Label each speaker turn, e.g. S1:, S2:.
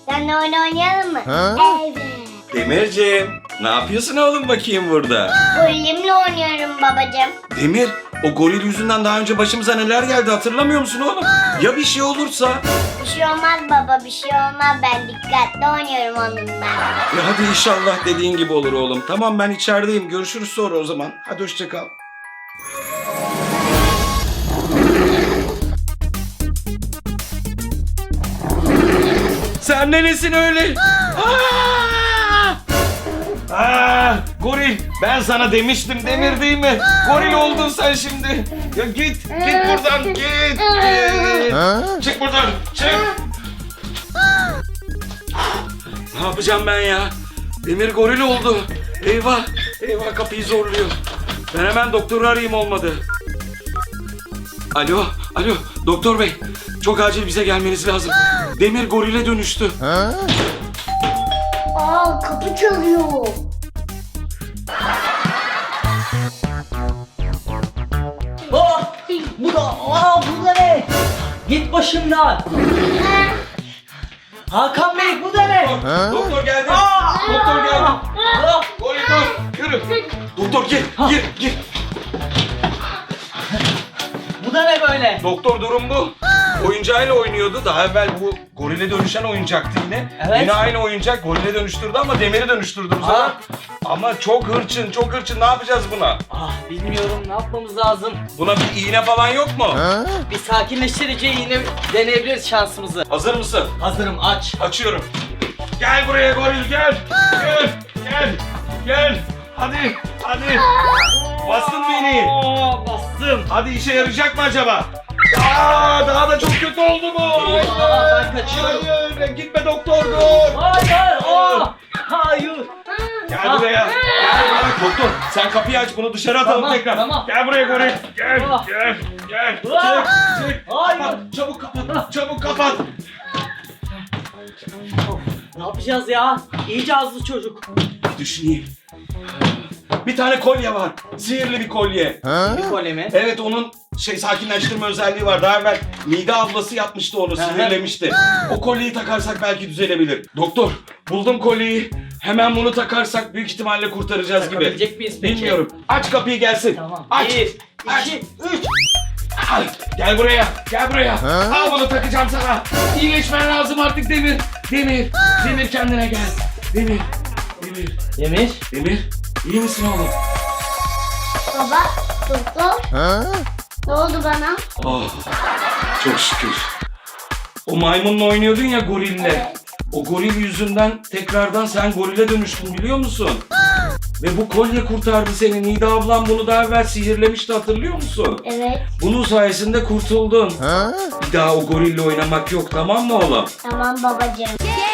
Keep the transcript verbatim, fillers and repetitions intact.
S1: Seninle oyun oynayalım mı? Evet.
S2: Demirciğim, ne yapıyorsun oğlum bakayım burada?
S1: Golemle oynuyorum babacığım.
S2: Demir, o goril yüzünden daha önce başımıza neler geldi hatırlamıyor musun oğlum? Ya bir şey olursa?
S1: Bir şey olmaz baba, bir şey olmaz. Ben dikkatli oynuyorum onunla.
S2: Ya hadi inşallah dediğin gibi olur oğlum. Tamam ben içerideyim. Görüşürüz sonra o zaman. Hadi hoşça kal. Sen de nesin öyle? Aa! Aa, goril, ben sana demiştim Demir değil mi? Goril oldun sen şimdi. Ya git, git buradan, git, git. Çık buradan, çık. Ne yapacağım ben ya? Demir goril oldu. Eyvah, eyvah kapıyı zorluyor. Ben hemen doktoru arayayım olmadı. Alo, alo doktor bey. Çok acil bize gelmeniz lazım. Demir gorile dönüştü.
S1: Aa, kapı çalıyor.
S3: Oh, bu da, aa, bu da ne? Git başımdan. Hakan Bey, bu da ne?
S2: Doktor geldi.
S3: Aa!
S2: Doktor geldi.
S3: Ah!
S2: Goril dur, yürü. Doktor gir, gir, gir.
S3: Bu da ne böyle?
S2: Doktor durum bu. Oyuncağıyla oynuyordu. Daha evvel bu gorile dönüşen oyuncaktı yine.
S3: Evet.
S2: Yine aynı oyuncak gorile dönüştürdü ama demiri dönüştürdü bu sefer.
S3: Aa.
S2: Ama çok hırçın, çok hırçın. Ne yapacağız buna?
S3: Ah, bilmiyorum, ne yapmamız lazım?
S2: Buna bir iğne falan yok mu?
S3: Bir sakinleştirici yine deneyebiliriz şansımızı.
S2: Hazır mısın?
S3: Hazırım, aç.
S2: Açıyorum. Gel buraya goril gel. Gel, gel, gel. Hadi, hadi. Bastın mı iğneyi?
S3: Aa, bastım.
S2: Hadi işe yarayacak mı acaba? Aa, daha da çok kötü oldu bu.
S3: Aa, ben kaçıyorum.
S2: Hayır, gitme doktor dur.
S3: Hayır, aa, hayır.
S2: Gel buraya. Gel buraya. Doktor sen kapıyı aç bunu dışarı atalım
S3: Tamam,
S2: tekrar.
S3: tamam.
S2: Gel buraya goril. Gel,
S3: Ah.
S2: gel, gel.
S3: Ah.
S2: Çık, çık.
S3: Hayır.
S2: Kapat, çabuk kapat, çabuk kapat.
S3: Of, ne yapacağız ya? İyice azlı çocuk.
S2: Bir düşüneyim. Bir tane kolye var. Sihirli bir kolye.
S3: Bir kolye mi?
S2: Evet onun şey sakinleştirme özelliği var. Daha evvel Nida ablası yapmıştı onu, sinirlemişti. O kolyeyi takarsak belki düzelebilir. Doktor, buldum kolyeyi. Hemen bunu takarsak büyük ihtimalle kurtaracağız gibi.
S3: Takabilecek miyiz peki?
S2: Bilmiyorum. Aç kapıyı gelsin.
S3: Tamam.
S2: Aç.
S3: Bir,
S2: Aç.
S3: iki, üç.
S2: Al. Gel buraya. Gel buraya. Al bunu takacağım sana. İyileşmen lazım artık Demir. Demir. Demir kendine gel. Demir. Demir.
S3: Demir.
S2: Demir. İyi misin oğlum?
S1: Baba, doktor. Ne oldu bana?
S2: Oh, çok şükür. O maymunla oynuyordun ya gorille.
S1: Evet.
S2: O goril yüzünden tekrardan sen gorile dönüştün biliyor musun? Ve bu kolye kurtardı seni. Nida ablam bunu daha evvel sihirlemişti hatırlıyor musun?
S1: Evet.
S2: Bunun sayesinde kurtuldun. Bir daha o gorille oynamak yok tamam mı oğlum?
S1: Tamam babacığım.